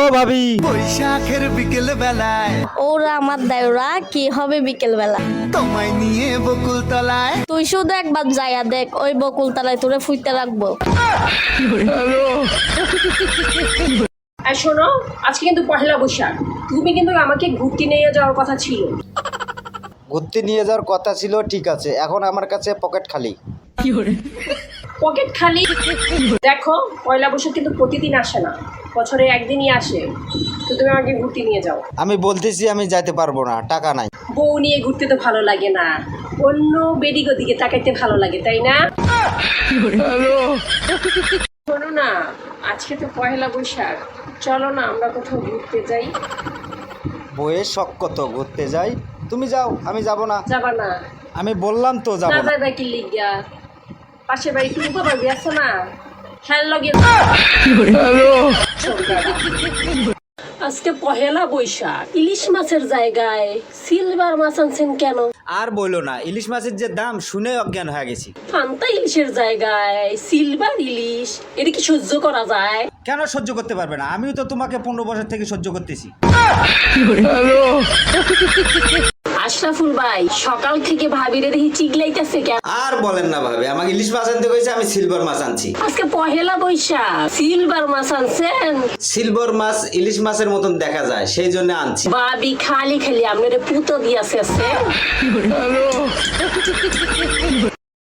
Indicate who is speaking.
Speaker 1: ভাবি।
Speaker 2: বৈশাখের বিকেল বেলায়
Speaker 3: ওরা আমার দায়রা কি হবে বিকেল বেলা
Speaker 2: তোমায় নিয়ে বকুল তলায়।
Speaker 3: তুই শুধু একবার যাইয়া দেখ ওই বকুল তলায় তোরে ফুইতে রাখবো।
Speaker 4: আর শোনো, আজকে কিন্তু পহেলা বৈশাখ, তুমি কিন্তু আমাকে ঘুরতে নিয়ে যাওয়ার কথা ছিল।
Speaker 1: ঘুরতে নিয়ে যাওয়ার কথা ছিল, ঠিক আছে, এখন আমার কাছে পকেট খালি।
Speaker 4: পকেট খালি? দেখো, পয়লা বৈশাখ কিন্তু প্রতিদিন আসে না, বছরে একদিনই আসে। তো তুমি আমাকে ঘুরতে নিয়ে যাও।
Speaker 1: আমি বলতেছি আমি যাইতে পারবো না, টাকা নাই।
Speaker 4: বউ নিয়ে ঘুরতে তো ভালো লাগে না, অন্য বেডিগো দিকে তাকাইতে ভালো লাগে, তাই না? শোনো না, আজকে তো পয়লা বৈশাখ, চলো না আমরা কোথাও ঘুরতে যাই।
Speaker 1: বইয়ের শখ কত, ঘুরতে যাই? তুমি যাও, আমি যাব না।
Speaker 4: যাবা না?
Speaker 1: আমি বললাম তো যাব
Speaker 4: না
Speaker 1: না।
Speaker 4: যাইবা কি লিগা? পাশের বাড়ি তুমি বাবা গেছ না, খেয়াল লগে। আজকে পহেলা বৈশাখ, ইলিশ মাছের জায়গায় সিলভার মাছ আনছেন কেন?
Speaker 1: আর বইলো না, ইলিশ মাছের যে দাম শুনে অজ্ঞান হয়ে গেছি।
Speaker 4: ফান্তা ইলিশের জায়গায় সিলভার ইলিশ, এটা কি সহ্য করা যায়?
Speaker 1: কেন সহ্য করতে পারবে না? আমিও তো তোমাকে 15 বছর থেকে সহ্য করতেছি।
Speaker 4: আশরাফুল ভাই, সকাল থেকে ভাবিরে দেখি চিগলাইতেছে কেন?
Speaker 1: আর বলেন না ভাবে, আমাকে ইলিশ মাছ আনতে কইছে, আমি সিলভার মাছ আনছি।
Speaker 4: আজকে পহেলা বৈশাখ, সিলভার মাছ আনছেন?
Speaker 1: সিলভার মাছ ইলিশ মাছের মতন দেখা যায়, সেই জন্য আনছি।
Speaker 4: ভাবি খালি খালি আপনার পুতো দিয়াছে।